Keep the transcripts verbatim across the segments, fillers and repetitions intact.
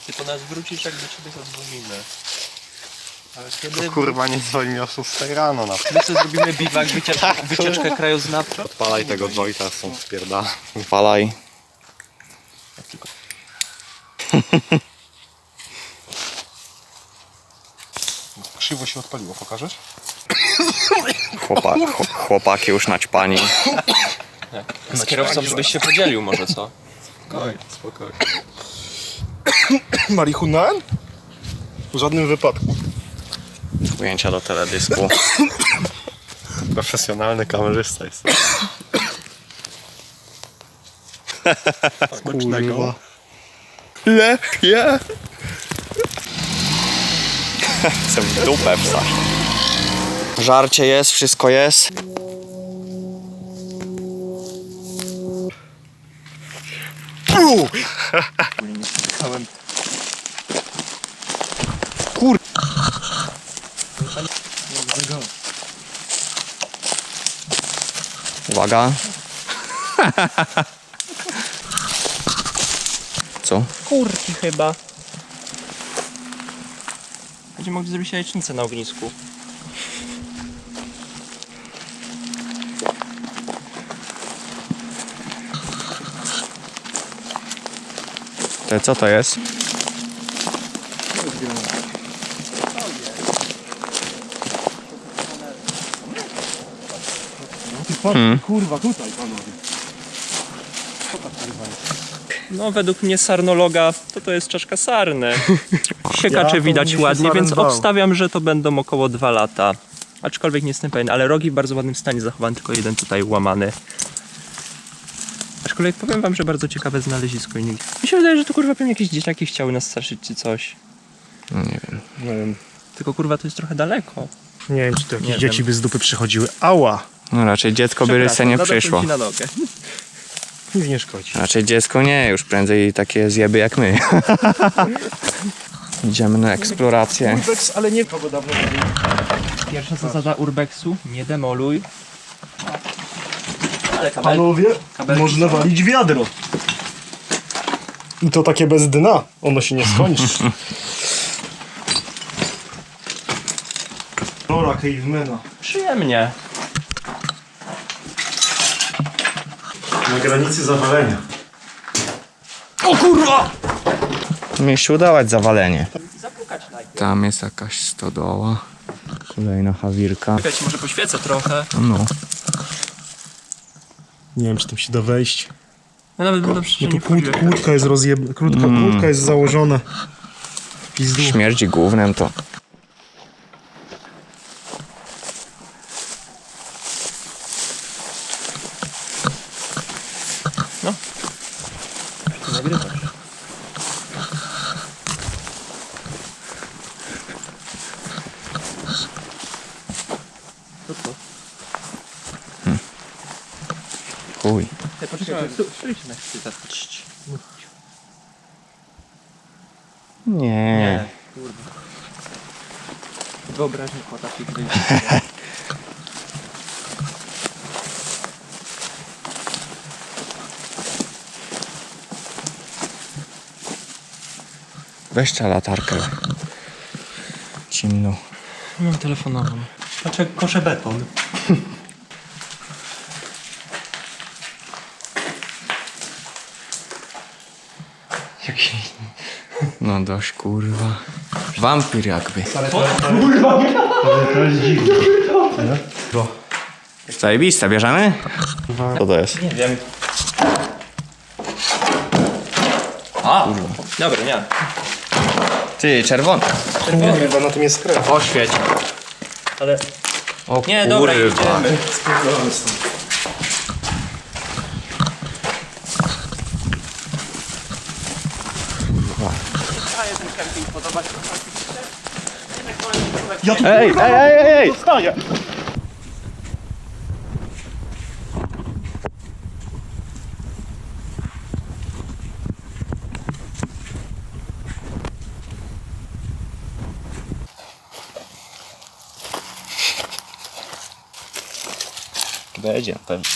Ty po nas wrócisz, jak do ciebie zadzwonimy. Ale kiedy... To kurwa nie dzwoni o szóstej rano na My co zrobimy biwak, wycieczkę, wycieczkę krajoznawczą? Odpalaj tego Wojta, są spierda. Odpalaj. Krzywo się odpaliło, pokażesz? Chłopa, chłopaki już naćpani. Z kierowcą żebyś się podzielił może, co? Spokojnie, spokojnie. Marihuana? W żadnym wypadku. Ujęcia do teledysku. Profesjonalny kamerzysta jest. Smacznego. Lepiej. Chcę w dupę wstać. Żarcie jest, wszystko jest. Kur... Uwaga. Co? Kurki chyba. Będziemy mogli zrobić jajecznicę na ognisku. To co to jest? Hmm. Kurwa, tutaj panowie. No według mnie sarnologa to to jest czaszka sarny. Siekacze Ja to widać mnie się ładnie, więc sarem bał. obstawiam, że to będą około dwa lata. Aczkolwiek nie jestem pewien, ale rogi w bardzo ładnym stanie zachowany, tylko jeden tutaj łamany. Aczkolwiek powiem wam, że bardzo ciekawe znalezisko. Mi się wydaje, że to kurwa pewnie jakieś dzieciaki chciały nas straszyć czy coś. No nie wiem. Nie wiem. Tylko kurwa to jest trochę daleko. Nie wiem, czy to jakieś Nie dzieci wiem. by z dupy przychodziły. Ała! No raczej dziecko by rysę nie nadepnę przyszło. ci na nogę. Nic nie szkodzi. Raczej dziecko nie, już prędzej takie zjeby jak my. Idziemy na eksplorację. Urbex, ale nie kogo dawno nie było. Pierwsza zasada urbexu, nie demoluj. Ale kabel... Panowie, kabelki można są. walić wiadro. I to takie bez dna. Ono się nie skończy. Rora Cavemana. Przyjemnie. Na granicy zawalenia. O kurwa! Mieliście udawać zawalenie. Zapukać najpierw. Tam jest jakaś stodoła. Kolejna hawirka. Ja ci może poświecę trochę. No. Nie wiem, czy tam się da wejść. Ja nawet będę przecież No nie tu kłód, wchodził. kłódka jest rozjeb... Krótka, Mm. kłódka jest założona. Pizdu. Śmierdzi gównem to. Ty nagrywasz. Co to? Chuj. Ty poczekaj, stój się na chwilę. Nie. Nie, kurwa. Wyobraźnia kota się gdzieś. Weź ta latarkę. Ciemno. Mam telefonową. Patrz jak kosze beton. Jaki... No dość kurwa. Wampir jakby. To jest dziwne. Zajebiste, bierzemy? Co to jest? Nie wiem. A! Dobra, nie. Ty, czerwony. Kurwa, na tym jest krew. Oświeć. Ale... O Nie, dobra, kurwa. idziemy. Spierdolamy stąd. Ja tu Ej, ej, ej, ej, ej! dostaję. Będzie pewnie.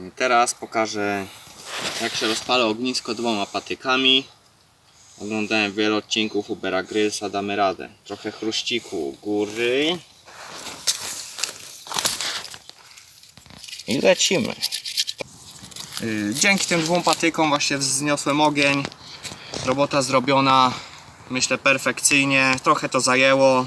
Teraz pokażę, jak się rozpala ognisko dwoma patykami. Oglądałem wiele odcinków Ubera Grylsa, damy radę. Trochę chruściku u góry. I lecimy. Yy, Dzięki tym dwóm patykom właśnie wzniosłem ogień. Robota zrobiona, myślę, perfekcyjnie. Trochę to zajęło.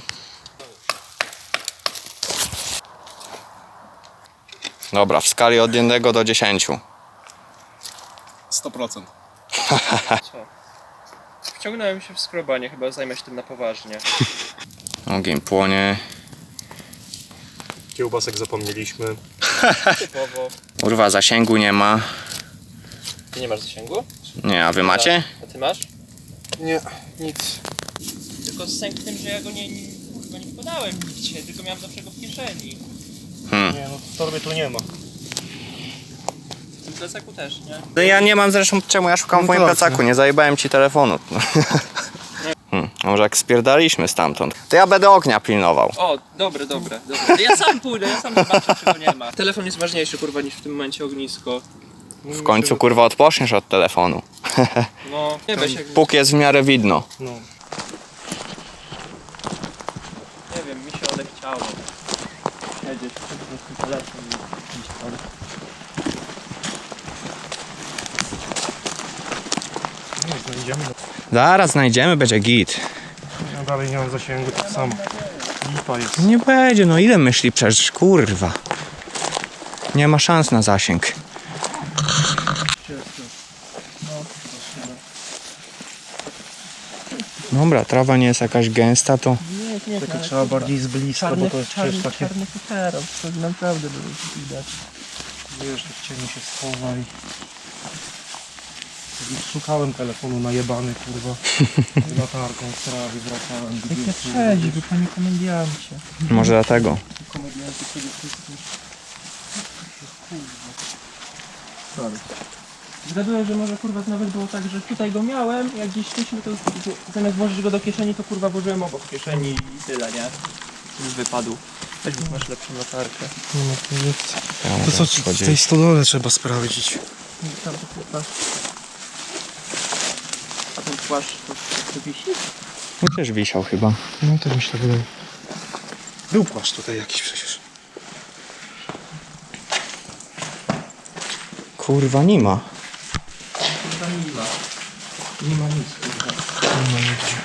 Dobra, w skali od jednego do dziesięciu. sto procent. Co? Wciągnąłem się w skrobanie, chyba zajmę się tym na poważnie. Ogień płonie. Kiełbasek zapomnieliśmy. Typowo. Kurwa, zasięgu nie ma. Ty nie masz zasięgu? Nie, a wy macie? A ty masz? Nie, nic. Tylko sęk w tym, że ja go nie, nie, chyba nie wkładałem nigdzie, tylko miałem zawsze go w kieszeni. Hmm. Nie, no w torbie tu nie ma. W tym plecaku też, nie? No ja nie mam zresztą czemu ja szukam w No moim tak, plecaku, nie zajebałem ci telefonu. Hmm. Może jak spierdaliśmy stamtąd, to ja będę ognia pilnował. O, dobre, dobre, dobre. Ja sam pójdę, ja sam zobaczę, czego nie ma. Telefon jest ważniejszy, kurwa, niż w tym momencie ognisko. W końcu kurwa odpoczniesz od telefonu. No, nie weź jak... Póki jest w miarę widno. No. Nie wiem, mi się odechciało. Siedzieć, po prostu telefon i iść tam. Nie, znajdziemy. Zaraz znajdziemy, będzie git. Ja dalej nie mam zasięgu, tak samo. Lipa jest. Nie będzie, no ile myśli przecież, kurwa. Nie ma szans na zasięg. Dobra, trawa nie jest jakaś gęsta, to... Nie, nie, Takie trzeba bardziej z bliska, bo to jest przecież takie... czarny futerał, to naprawdę było widać. Wiesz, w cieniu się schowaj. Szukałem telefonu najebany, kurwa. Z latarką w trawie wracałem. Jak trzeźwy, panie komendiancie. Może dlatego. Komedianty przede wszystkim. Sorry. Zgaduję, że może kurwa nawet było tak, że tutaj go miałem, jak gdzieś szliśmy, to zamiast włożyć go do kieszeni, to kurwa włożyłem obok kieszeni i tyle, nie? Już wypadł. Weź mi masz lepszą latarkę. Nie ma tu nic. To co, w tej stodole trzeba sprawdzić. Tam to kurwa. A ten płaszcz to, to wisi? No też wisiał chyba. No to mi się tak wydaje. Był płaszcz tutaj jakiś przecież. Kurwa nie ma. Kurwa nie ma. Nie ma nic kurwa. Nie ma nigdzie.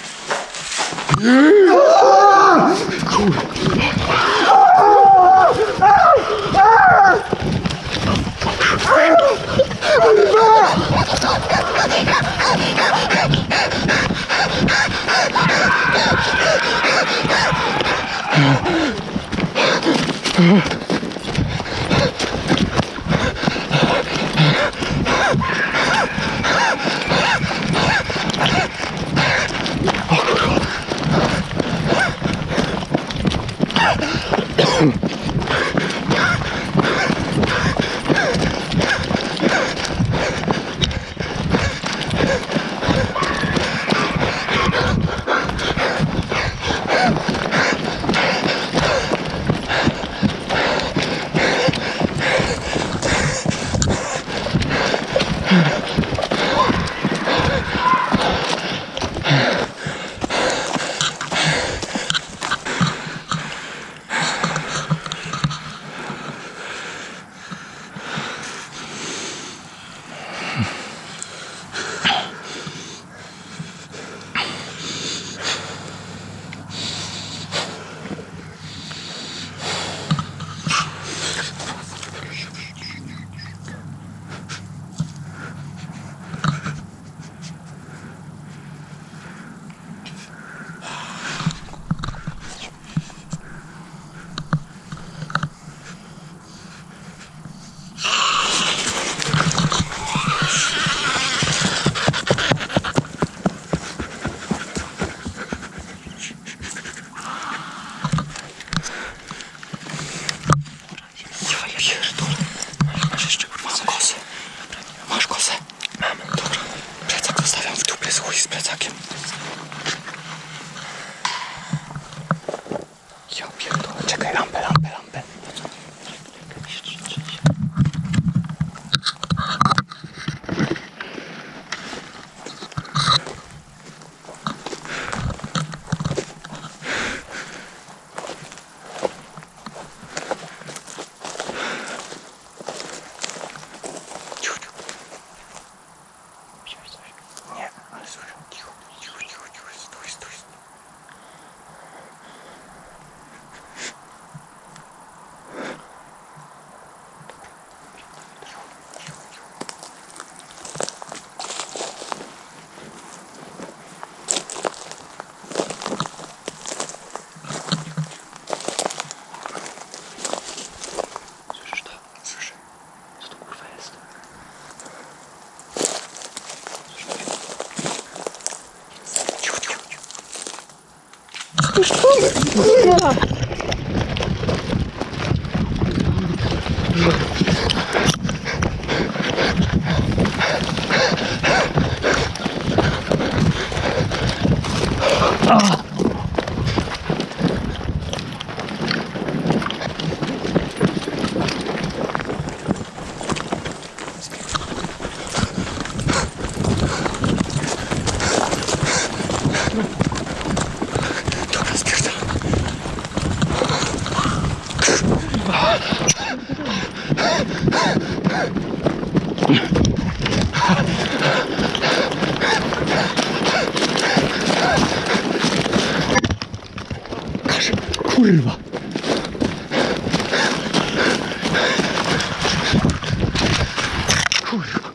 Puszczony! Kurwa! Dobra, spierdzam. Kurwa. Kurwa.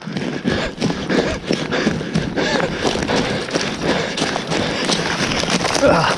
Ah.